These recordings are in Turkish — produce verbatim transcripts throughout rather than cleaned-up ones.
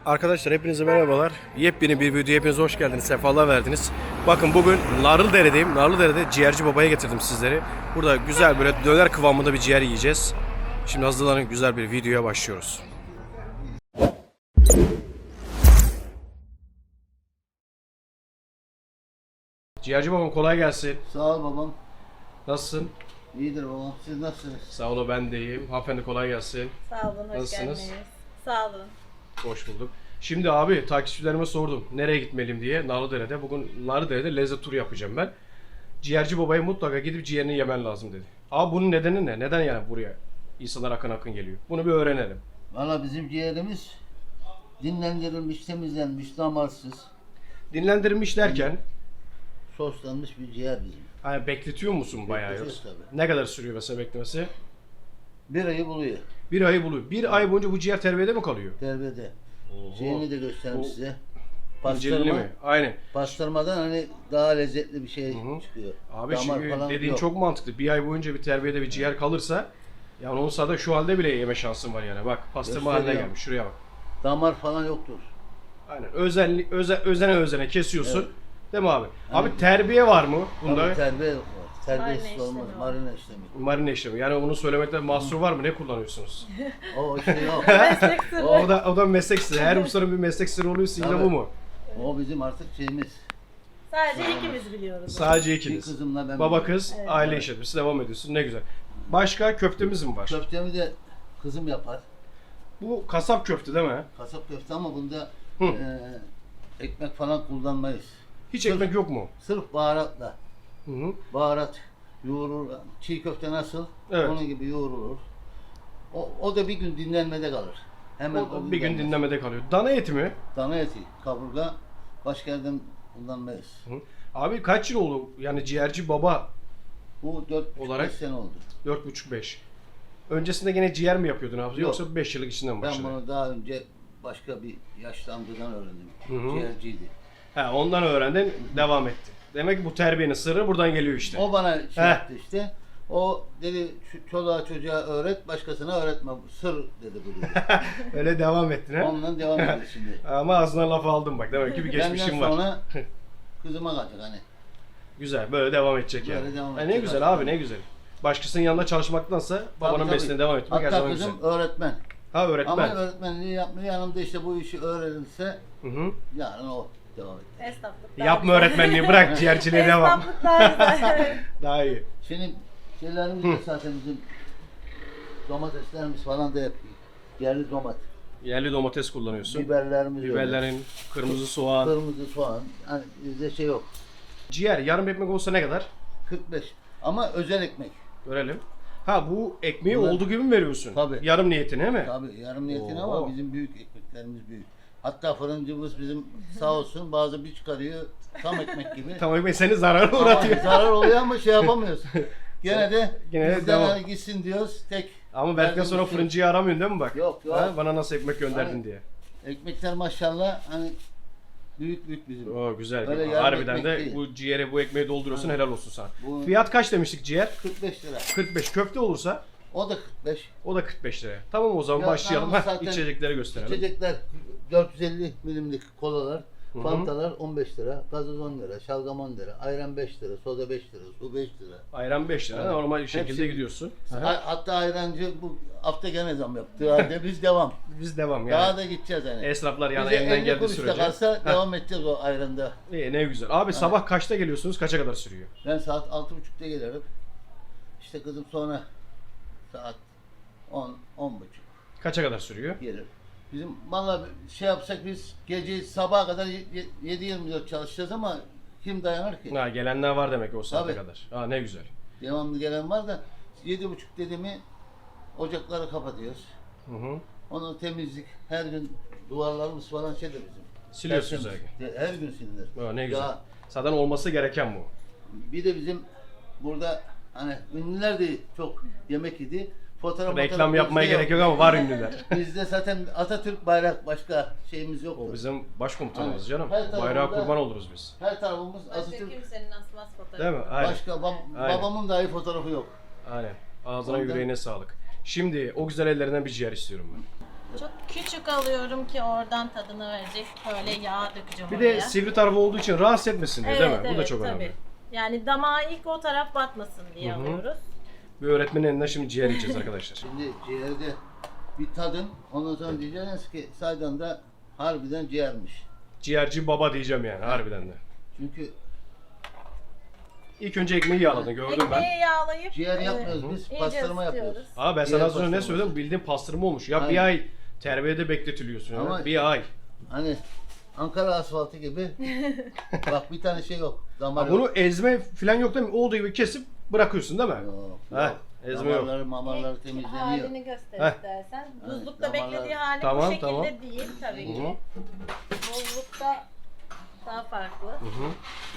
Arkadaşlar hepinize merhabalar. Yepyeni bir videoya hepiniz hoş geldiniz. Sefalar verdiniz. Bakın bugün Narlıdere'deyim. Narlıdere'de ciğerci babaya getirdim sizleri. Burada güzel böyle döner kıvamında bir ciğer yiyeceğiz. Şimdi hazırlanın, güzel bir videoya başlıyoruz. Ciğerci babam kolay gelsin. Sağ ol babam. Nasılsın? İyidir babam. Siz nasılsınız? Sağ olun, ben de iyiyim. Hanımefendi kolay gelsin. Sağ olun, hoş Nasılsınız? geldiniz. Sağ olun. Hoş bulduk. Şimdi abi takipçilerime sordum nereye gitmeliyim diye Narlıdere'de. Bugün Narlıdere'de lezzet turu yapacağım ben. Ciğerci babaya mutlaka gidip ciğerini yemen lazım dedi. Abi bunun nedeni ne? Neden yani buraya insanlar akın akın geliyor? Bunu bir öğrenelim. Valla bizim ciğerimiz dinlendirilmiş, temizlenmiş, damarsız, Dinlendirilmiş derken soslanmış bir ciğer bizim. hani bekletiyor musun bayağı Bekletiyoruz yoksa? tabii. Ne kadar sürüyor mesela beklemesi? Bir ayı buluyor Bir ayı buluyor. Bir ay boyunca bu ciğer terbiyede mi kalıyor? terbiyede. Oho. Şeyini de göstereyim Bu size. İncelili Pastırma, mi? Aynen. pastırmadan hani daha lezzetli bir şey Hı hı. çıkıyor. Abi Damar şimdi falan dediğin yok. çok mantıklı. Bir ay boyunca bir terbiyede bir ciğer kalırsa yani onun sırada şu halde bile yeme şansın var yani. Bak pastırma haline Gösteriyor. gelmiş. Şuraya bak. Damar falan yoktur. Aynen. Özenli, öze, özene özene kesiyorsun. Evet. Değil mi abi? Hani- Abi terbiye var mı bunda? Tabii terbiye var. Terbiyesiz Marine olmaz. işlemi var. Marine işlemi. Marine işlemi. Yani bunu söylemekte mahsur var mı? Ne kullanıyorsunuz? O işte yok. Meslek sırrı. o da o da meslek sırrı. Her ustanın bir meslek sırrı oluyorsa yine Tabii. bu mu? O bizim artık şeyimiz. Sadece ikimiz biliyoruz. Sadece Bir ikiniz. kızımla ben. Baba biliyorum. kız Evet. aile işletmesi devam ediyorsun. Ne güzel. Başka köftemiz mi var? Köftemi de kızım yapar. Bu kasap köfte değil mi? Kasap köfte ama bunda Hı. e, ekmek falan kullanmayız. Hiç Sırf- ekmek yok mu? Sırf baharatla. Hı hı. Baharat yoğurur. Çiğ köfte nasıl? Evet. Onun gibi yoğrulur. O, o da bir gün dinlenmede kalır. Hemen O bir gün denmez. dinlemede kalıyor. Dana eti mi? Dana eti, kaburga başka yerden kullanmayız. Hı. Abi kaç yıl oldu? Yani ciğerci baba Bu dört Olarak- beş sene oldu. dört buçuk beş. Öncesinde gene ciğer mi yapıyordun abi? Yok. Yoksa beş yıllık içinden mi Ben başladın? bunu daha önce başka bir yaşlı amcadan öğrendim. Hı hı. Ciğerciydi. He, ondan öğrendin, devam etti. Demek ki bu terbiyenin sırrı buradan geliyor işte. O bana şey Heh. yaptı işte. O dedi şu çoluğa çocuğa öğret, başkasına öğretme. Sır dedi bu dedi. Öyle devam ettin ha. Ondan devam ediyor şimdi. Ama ağzına laf aldım bak. Demek ki bir geçmişim Benden var. sonra kızıma kalacak hani. Güzel, böyle devam edecek Böyle yani. devam Ha, ne edecek güzel abi. abi, ne güzel. Başkasının yanında çalışmaktansa babanın Tabii, mesleğine tabii. devam etmek her Hatta zaman güzel. kızım öğretmen. Ha, öğretmen. Ama öğretmenliği yapmıyor. Yanımda işte bu işi öğrenirse Hı hı. yarın o devam edecek. Esnaflık daha Yapma güzel. öğretmenliği, bırak ciğerciliğe devam. Esnaflık daha güzel. Daha iyi. Şimdi şeylerimiz de zaten bizim domateslerimiz falan da yapıyor. Yerli domat. Yerli domates kullanıyorsun. Biberlerimiz öyle. Biberlerin, kırmızı soğan. Kırmızı soğan. Hani bizde şey yok. Ciğer yarım ekmek olsa ne kadar? kırk beş. Ama özel ekmek. Görelim. Ha, bu ekmeği Bunlar- olduğu gibi mi veriyorsun? Tabii. Yarım niyetine mi? Tabii yarım niyetine Oo. ama bizim büyük ekmeklerimiz büyük. Hatta fırıncımız bizim sağ olsun bazı bir çıkarıyor tam ekmek gibi. Tamam, ekmek seni zarara Ama uğratıyor. zarar oluyor ama şey yapamıyoruz. Gene de Gene de bizden devam. hani gitsin diyoruz tek. Ama verdikten sonra Verdiğimiz şey- fırıncıyı aramıyorsun değil mi bak? Yok, yok. Ha, bana nasıl ekmek gönderdin Aynen. diye. Ekmekler maşallah hani büyük büyük bizim. Oo, güzel. Öyle yarım Harbiden ekmek de değil. bu ciğere bu ekmeği dolduruyorsun, helal olsun sana. Bu- Fiyat kaç demiştik ciğer? kırk beş lira. kırk beş. Köfte olursa O da kırk beş. o da kırk beş lira. Tamam, o zaman Ya, başlayalım. yalnız Heh, zaten içecekleri gösterelim. İçecekler dört yüz elli milimlik kolalar, Hı hı. fantalar on beş lira, gazoz on lira, şalgam on lira, ayran beş lira, soda beş lira, su beş lira. Ayran beş lira. Evet. Normal şekilde Hepsi- gidiyorsun. Ha- Hatta ayrancı bu hafta gene zam yaptı. Halde biz devam. Biz devam Daha yani. da gideceğiz hani. Esnaflar yani Bize elinden elli geldiği kuruş da sürece. kalsa Heh, devam edeceğiz o ayranda. iyi, ne güzel. Abi sabah kaçta geliyorsunuz? Kaça kadar sürüyor? Ben saat altı buçukta gelirim. İşte kızım sonra saat on, on buçuk Kaça kadar sürüyor? gelir. Bizim valla şey yapsak biz gece sabaha kadar yedi yirmi dört çalışacağız ama kim dayanır ki? Ha, gelenler var demek ki o saate Tabii. kadar. Ha, ne güzel. Devamlı gelen var da yedi buçuk dedi mi ocakları kapatıyoruz. Hı hı. Onu temizlik her gün duvarlarımız falan şeydir bizim. Siliyorsunuz her Tertemiz. gün. Her gün silinir. Ha, ne güzel. Ya, Zaten olması gereken bu. bir de bizim burada hani ünlüler de çok yemek yedi. Fotoğraf Reklam fotoğraf yapmaya bizde gerek yok. yok ama var ünlüler. Bizde zaten Atatürk bayrak başka şeyimiz yok. O bizim başkomutanımız Aynen. canım. Her tarafında- Bayrağa kurban oluruz biz. Her tarafımız Başka Atatürk. kimsenin asmaz fotoğrafı. Değil mi? Aynen. Başka bab- Aynen. babamın dahi fotoğrafı yok. Aynen. Ağzına Ondan- yüreğine sağlık. Şimdi o güzel ellerinden bir ciğer istiyorum ben. Çok küçük alıyorum ki oradan tadını verecek. Böyle yağ dökeceğim Bir oraya. de sivri tarafı olduğu için rahatsız etmesin diye değil mi? Bu da çok tabii. önemli. Yani damağa ilk o taraf batmasın diye Hı hı. alıyoruz. Bir öğretmenin elinden şimdi ciğer yiyeceğiz arkadaşlar. Şimdi ciğerde bir tadın, ondan sonra diyeceksiniz ki saydan da harbiden ciğermiş. Ciğerci baba diyeceğim yani harbiden de. Çünkü İlk önce ekmeği yağladın gördüm ben. Ekmeği yağlayıp ciğer e, yapmıyoruz biz, iyice pastırma yapıyoruz. ısıtıyoruz. Abi ben Ciğer sana az önce ne pastırması. söyledim? Bildiğin pastırma olmuş. Ya bir Aynen. ay terbiyede bekletiliyorsun ya. Ama- Bir ay. Hani Ankara asfaltı gibi. Bak bir tane şey yok. Damar Ha, yok. bunu ezme falan yok değil mi? Olduğu gibi kesip bırakıyorsun değil mi? Yok, He, yok. ezme yok. Damarları mamarları temizleniyor. Halini göster Heh. istersen. Evet, Buzlukta damarlar- beklediği hali Tamam, bu şekilde tamam. değil tabii Hı ki. hı. Buzlukta daha farklı. Hı hı.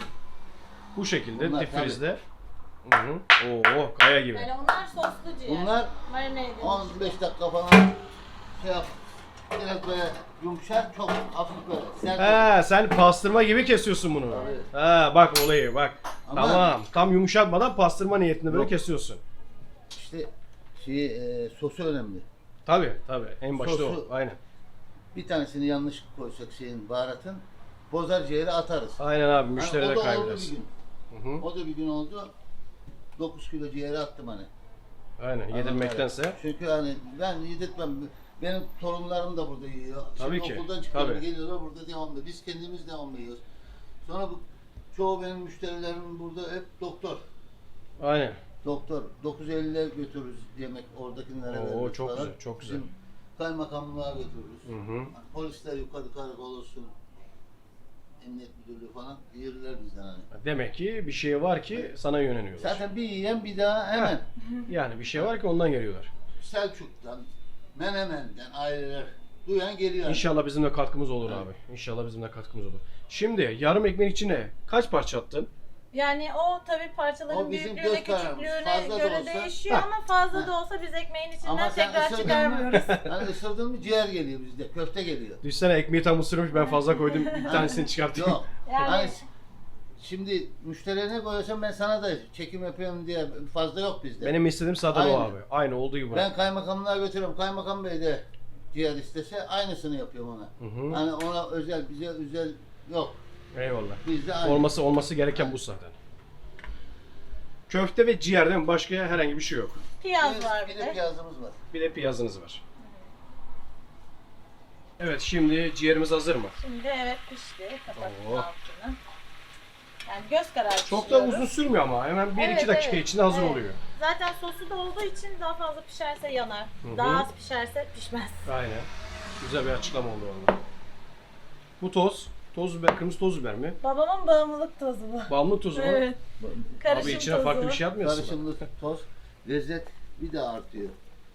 Bu şekilde Bunlar difrizde. Hı hı. Oo, kaya gibi. Yani onlar soslu ciğer. Bunlar marine edilmiş. on beş dakika falan şey yap. Biraz böyle yumuşak, çok hafif böyle sert. He, sen pastırma gibi kesiyorsun bunu. Tabii. Ha, bak olayı bak. Ama- Tamam. Tam yumuşatmadan pastırma niyetinde böyle Yok. kesiyorsun. İşte şey, e, sosu önemli. Tabi tabi. En başta Sosu- o. Aynen. Bir tanesini yanlış koysak şeyin baharatın bozar ciğeri atarız. Aynen abi. Hani Müşteri o de da oldu bir kaybedersin. gün. Hı hı. O da bir gün oldu. dokuz kilo ciğeri attım hani. Aynen. Yedirmektense. Çünkü hani ben yedirtmem. Benim torunlarım da burada yiyor. Tabii Şimdi ki, okuldan çıkıyorlar, tabii. geliyorlar burada devamlı. Biz kendimiz devamlı yiyoruz. Sonra bu çoğu benim müşterilerim burada hep doktor. Aynen. Doktor. dokuz elliye götürürüz yemek oradakilere Oo, veririz çok falan. güzel, çok güzel. Bizim kaymakamlığa götürürüz. Hı hı. Polisler yukarı karakol olsun. Emniyet müdürlüğü falan yürürler bizden hani. Demek ki bir şey var ki sana yöneliyorlar. Zaten bir yiyen bir daha hemen. Yani bir şey var ki ondan geliyorlar. Selçuk'tan, Menemen'den aileler duyan geliyor. İnşallah bizim de katkımız olur Evet. abi. İnşallah bizim de katkımız olur. Şimdi yarım ekmeğin içine kaç parça attın? Yani o tabii parçaların O bizim büyüklüğüne, göz kararımız. küçüklüğüne Fazla da göre olsa- değişiyor Heh. ama fazla da olsa biz ekmeğin içinden Ama sen tekrar ısırdın çıkarmıyoruz. mı? Hani ısırdın mı ciğer geliyor bizde, köfte geliyor. Düşsene ekmeği tam ısırmış ben fazla koydum bir tanesini çıkartayım. Yok. Yani- Hani şimdi müşteriye ne koyuyorsam ben sana da çekim yapıyorum diye fazla yok bizde. Benim istediğim zaten o Aynen. abi. Aynı olduğu gibi. Ben kaymakamlığa götürüyorum. Kaymakam Bey de ciğer istese aynısını yapıyorum ona. Hı hı. Hani ona özel, bize özel yok. Eyvallah. Bizde aynı. Olması olması gereken bu zaten. Köfte ve ciğer değil mi? Başka herhangi bir şey yok. Piyaz Bir- var bir bir de de. piyazımız var. Bir de piyazınız var. Evet şimdi ciğerimiz hazır mı? Şimdi evet pişti. Kapattım Oo. altını. Yani göz kararı Çok da pişiriyoruz. uzun sürmüyor ama hemen bir iki Evet, dakika evet, içinde hazır evet. oluyor. Zaten sosu da olduğu için daha fazla pişerse yanar. Hı hı. Daha az pişerse pişmez. Aynen. Güzel bir açıklama oldu valla. Bu toz, toz biber, kırmızı toz biber mi? Babamın bağımlılık tozu bu. Bağımlı tozu mu? Evet. Karışım Abi içine tozu. farklı bir şey atmıyorsun. Karışımlı toz, lezzet bir de artıyor.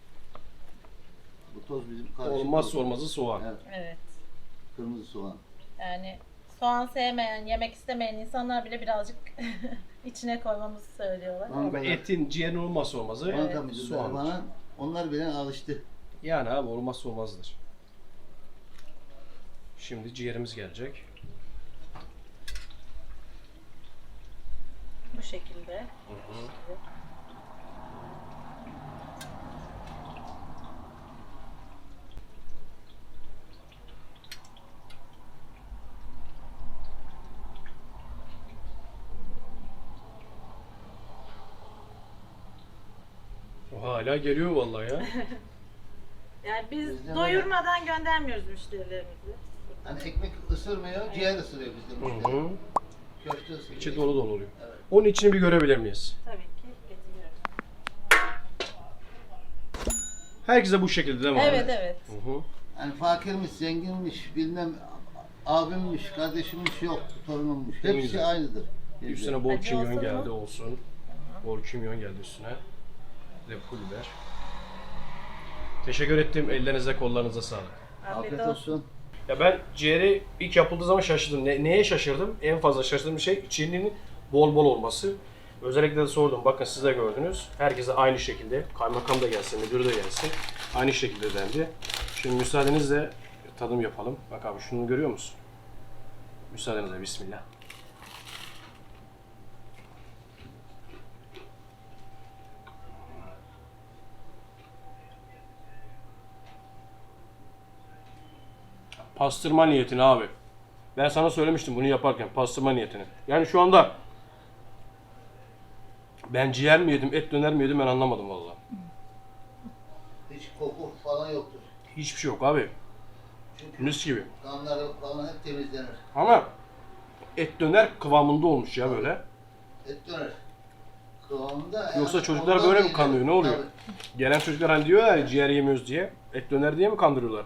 Bu toz bizim karışım Olmazsa tozu. olmazı soğan. Evet, Evet. kırmızı soğan. Yani soğan sevmeyen, yemek istemeyen insanlar bile birazcık içine koymamızı söylüyorlar. Ama Ama etin, ciğerin olmazsa olmazı Banka müdürleri soğan. bana, onlar bile alıştı. Yani abi olmazsa olmazdır. Şimdi ciğerimiz gelecek. Bu şekilde. Hı hı. O hala geliyor vallahi ya. Yani biz Bizde doyurmadan göndermiyoruz müşterilerimizi. Hani ekmek ısırmıyor, ciğer ısırıyor bizde Hı müşteri. hı. Köfte ısırıyor. İçi dolu dolu oluyor. Evet. Onun içini bir görebilir miyiz? Tabii ki getiriyoruz. Herkese bu şekilde değil mi abi? Evet evet. Hı hı. Hani fakirmiş, zenginmiş, bilmem abimmiş, kardeşimmiş yok, torunummuş. Ne Hepsi güzel. aynıdır. bizde. Üstüne bol Acı kimyon olsun mu? geldi olsun. Bol kimyon geldi üstüne. Bir de pul biber. Teşekkür ettim. Ellerinize kollarınıza sağlık. Afiyet, Afiyet olsun. olsun. Ya ben ciğeri ilk yapıldığı zaman şaşırdım. Ne, neye şaşırdım? En fazla şaşırdığım şey içinin bol bol olması. Özellikle de sordum. Bakın siz de gördünüz. Herkese aynı şekilde. Kaymakam da gelsin, müdür de gelsin. Aynı şekilde dendi. Şimdi müsaadenizle tadım yapalım. Bak abi şunu görüyor musun? Müsaadenizle bismillah. Pastırma niyetine abi. Ben sana söylemiştim bunu yaparken pastırma niyetine. Yani şu anda ben ciğer mi yedim, et döner mi yedim ben anlamadım vallahi. Hiç koku falan yoktur. Hiçbir şey yok abi. Çünkü Mis gibi. kanları falan hep temizlenir. Ama et döner kıvamında olmuş ya böyle. Et döner. Kıvamında. Yoksa yani çocuklar ondan böyle mi iyidir. kanıyor, ne oluyor? Tabii. Gelen çocuklar hani diyorlar ya ciğer yemiyoruz diye. Et döner diye mi kandırıyorlar?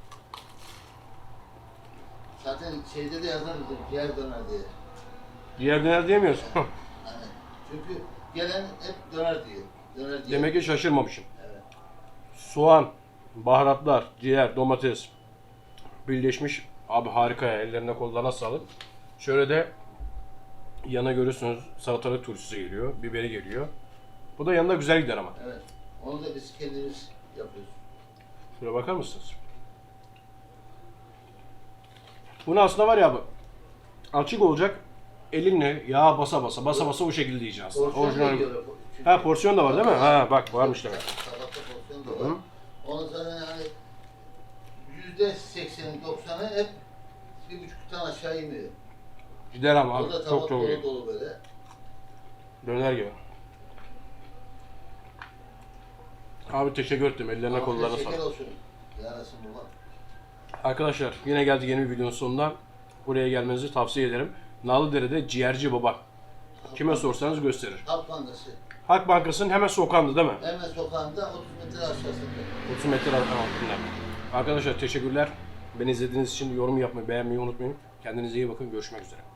Zaten şeyde de yazar ciğer döner diye. Ciğer döner diyemiyoruz. Yani çünkü gelen hep döner diyor. Döner diyor. Demek ki şaşırmamışım. Evet. Soğan, baharatlar, ciğer, domates birleşmiş. Abi harika ya. Ellerine kollarına sağlık. Şöyle de yana görüyorsunuz salatalık turşusu geliyor. Biberi geliyor. Bu da yanında güzel gider ama. Evet. Onu da biz kendimiz yapıyoruz. Şuraya bakar mısınız? Bunu aslında var ya abi. Açık olacak. Elinle yağ basa basa basa basa o şekilde yiyeceksin aslında. Porsiyon da Orijinal. yiyor. Çünkü- Ha porsiyon da var değil mi? Ha bak varmış demek. Tabakta porsiyon da Hı. var. Onun zaten yani yüzde sekseni doksanı hep bir buçuktan aşağı inmiyor. Gider ama abi. O da Çok tabak çok dolu iyi. dolu böyle. Döner gibi. Abi teşekkür ettim. Ellerine Afiyet kollarına şeker sağlık. olsun. Yarasın baba. Arkadaşlar yine geldik yeni bir videonun sonuna. Buraya gelmenizi tavsiye ederim. Nalıdere'de ciğerci baba. Kime sorsanız gösterir. Halk Bankası. Halk Bankası'nın hemen sokağında değil mi? Hemen sokağında otuz metre aşağısında. otuz metre altında. Arkadaşlar teşekkürler. Beni izlediğiniz için yorum yapmayı, beğenmeyi unutmayın. Kendinize iyi bakın. Görüşmek üzere.